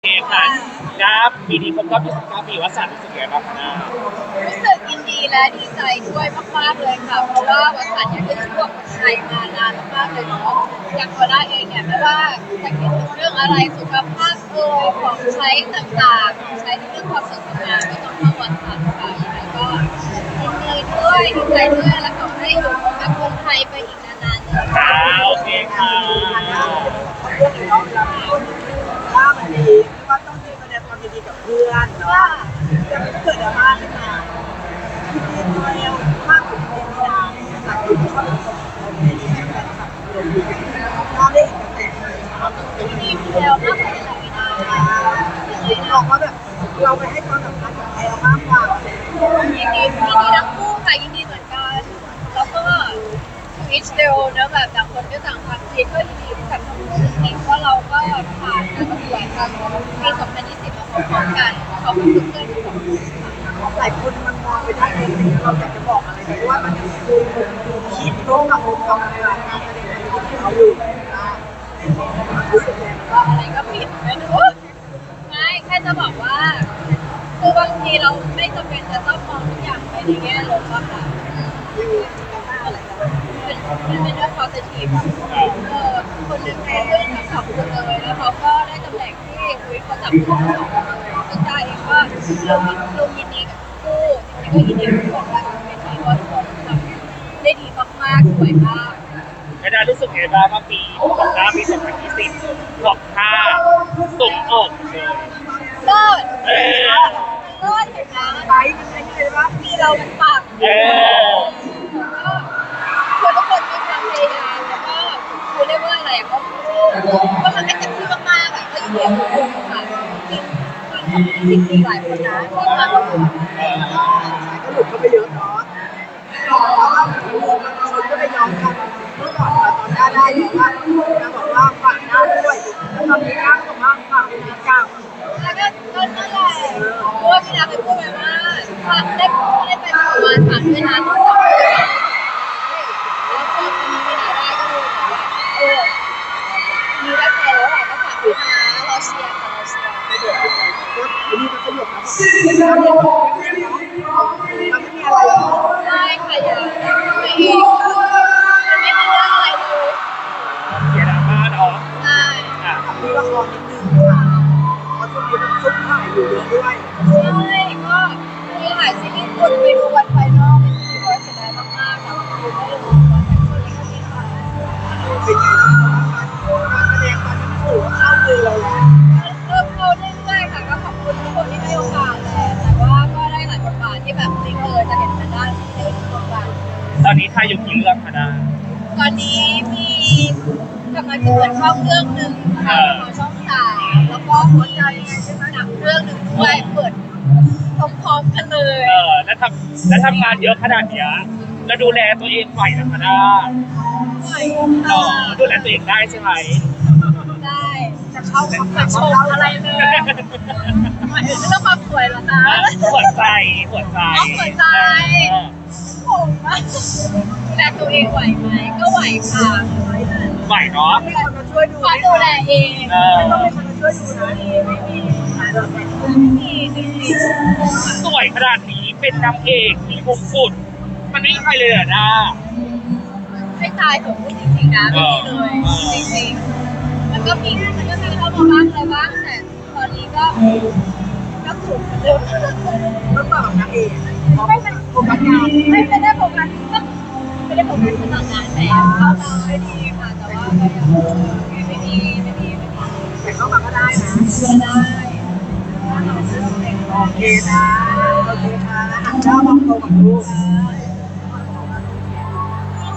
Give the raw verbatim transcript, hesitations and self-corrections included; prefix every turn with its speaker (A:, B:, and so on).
A: เองค่ะครับปีนี้ครบรอบยี่สิบเก้าปีวัดสันรู้สึกยังไงบ้างคะนา
B: รู้สึกยินดีและดีใจด้วยมากๆเลยค่ะเพราะว่าวัดสันเนี่ยก็อยู่กับคนไทยมานานมากๆเลยเนาะอย่างตัวด้าเองเนี่ยไม่ว่าจะคิดถึงเรื่องอะไรสุขภาพเอ่ยของใช้ต่างๆของใช้ในเรื่องความสวยงามก็ต้องเข้าวัดสันค่ะยังไงก็ยินดีด้วยดีใจด้วยและขอให้อยู่กับคนไทยไปอีกนานๆเลย
A: ค่ะโอเคค่ะ
C: เรื่องนี้เนาะเวลาพูดว่ามันดีไม่ว่าต้องมีแสดงความยินดีกับเพื่อนเนาะแต่มันเกิดดราม่าขึ้นมาที่ตัวเองมากกว่าที่นี่นะจากที่ชอบเราได้เห็นกระแส
B: มีแววมากกว่าที่เราไม่ได้
C: มองว่าแบบเราไปให้ความสำคัญกับแอลมากกว่า
B: ยินดียินดีทั้งคู่ค่ะยินดีเหมือนกันแล้วก็อิชเดลเนอะแบบต่างคนก็ต่างทำคิดก็ยินดีกับทั้งคู่จริงๆเพราะเราก็ผ่านการประกวดกันปีสองพันยี่สิบมาพร้อมๆกันเขาก็คือเพื่อนที่สองคน
C: หลายคนมันมองไปได้เองเราอยากจะบอกอะไรเพราะว่ามันยังคือคิดร่วมกับองค์กรการแสดงที่เขาอยู่รู้สึกยังไง
B: ว่าอะไรก็ผิดไม่รู้ไม่แค่จะบอกว่าคือบางทีเราไม่จำเป็นจะต้องมองทุกอย่างไปในแง่ลบอะค่ะเป็นเป็นเรื่อง positive เออคนหนึ่งเขาเรื่องทั้งสองคนเลยแล้วเขาก็ได้ตำแหน่งที่คุยเขาจับคู่สองคนเลยซึ่งได้เองก็ลงลงยินดีกับคู่จริงๆก็ยินดีกับทุกคนว่าเป็นที่ว่าทุกคนทำได้ดีมากๆสวยมาก
A: ไม่ได้รู้สึกไงบ้างว่าปีของน้าปีสองพันยี่สิบหลอกท่าสมอกเลย
B: เลิศเออเลิศเห็นไหม
C: ไปมันเป็นไงวะ
B: ที่เรามันปัง
A: เออ
B: คือทุกคนมีความพยายามแล้วก็คือเรียกว่าอะไรก็ก็ทำให้เต็มที่มากๆอ่ะก็ยินดีกับทุกคนค่ะจริงจริงมีหลายคนนะที่มาประกวด
C: ก็หลุดเข้าไปเยอะเนาะแล้วก็คนก็ไปย้อมกันเมื่อก่อนตอนได้ได้เนี่ยว่าจะบอกว่าฝากหน้าด้วยแล้วตอนนี้ก็บอกว่าฝากเป็นกลาง
B: แล้วก็ก็นั่นแหละเพราะว่าพี่นาเคยพูดไปว่าฝากได้ได้ไปประมาณฝากด้วยนะต้องจับด้วยแล้วพอคนนี้พี่นาได้ก็รู้ว่าเออมีได้ไปแล้วอ่ะก็ฝากด้วยนะเราเชียร์ค่ะเราเชียร์
C: ไม่เดือดก็ทีนี้มันก็หยุดนะแล้วเนี่ยมันไม่มีอะไรหรอก
B: ไม่ค่ะอย่าตัวเองมันไม่มีเรื่องอะไรเลย
A: เสียดราม่าเนาะ
B: ใช่
C: มีละครนิดนึงค่ะเพราะช่วงนี้มันซุ่มถ่ายอยู่เยอะด้วย
B: ใช่ก็มีหลายซีรีส์คนไปดูวันไฟนอลเป็นที่ว่าเสียดายมากๆแต่คือไม่ได้ดูวันแต่ช่วงนี้ก็มีค่ะ
C: เป็นไงการแสดงตอนนี้ถือว่าเข้ามือเราแล้ว
B: เริ่มเข้าเรื่อยๆค่ะก็ขอบคุณทุกคนที่ให้โอกาสแหละแต่ว่าก็ได้หลายบทบาทที่แบบไม่เคยจะเห็นทางด้านในบทบาท
A: ตอนนี้ถ่ายอยู่กี่เรื่องคะนา
B: ตอนนี้มีกำลังจะเปิดช่องเรื่องหนึ่งค่ะของช่องสามแล้วก็หัวใจใช่ไหมหนังเรื่องหนึ่งด้วยเปิดพร้อมๆกันเลย
A: เออแล้วทำแล้วทำงานเยอะขนาดเนี้ยแล้วดูแลตัวเองไหวนะคะนา
B: เออ
A: ดูแลตัวเองได้ใช่ไหม
B: ได้จะเข้าจะชมอะไรเลยหมายถึงเรื่องความสวยเหรอคะ
A: หัวใจหัวใจ
B: หัวใจผมว่าดูแลตัวเองไหวไหมก็ไหวค่ะ
A: ไหวเนาะ
C: มีคนมาช่วยดู
B: ขอดูแลเอง
C: ไม่ต้องมีคนมาช่วยดูนะ
B: ไม่มีไม่มีจริง
A: ๆสวยขนาดนี้เป็นนางเอกมีมงกุฎมันไม่ใครเลยอ่ะนะ
B: ให้ตายผมพูดจริงๆนะไม่มีเลยจริงๆมันก็มีมันก็มีเข้ามาบ้างอะไรบ้างแต่ตอนนี้ก็ก็ถูกเร็ว
C: ต้องตอบนางเอก
B: ไม่เป็นโฟกัสงานไม่ไม่ได้โฟกัสไม่ได้โฟกัสขนาดนั้นแต่เข้ามาไม่ดีค่ะแต่ว่าก็ยังไม่ดีไม่ดีไม่ดี
C: แต่เข้ามาก็ได้นะ
B: ได้
C: โอเคนะโอเคค่ะหันเจ้ามองตรงกับลูก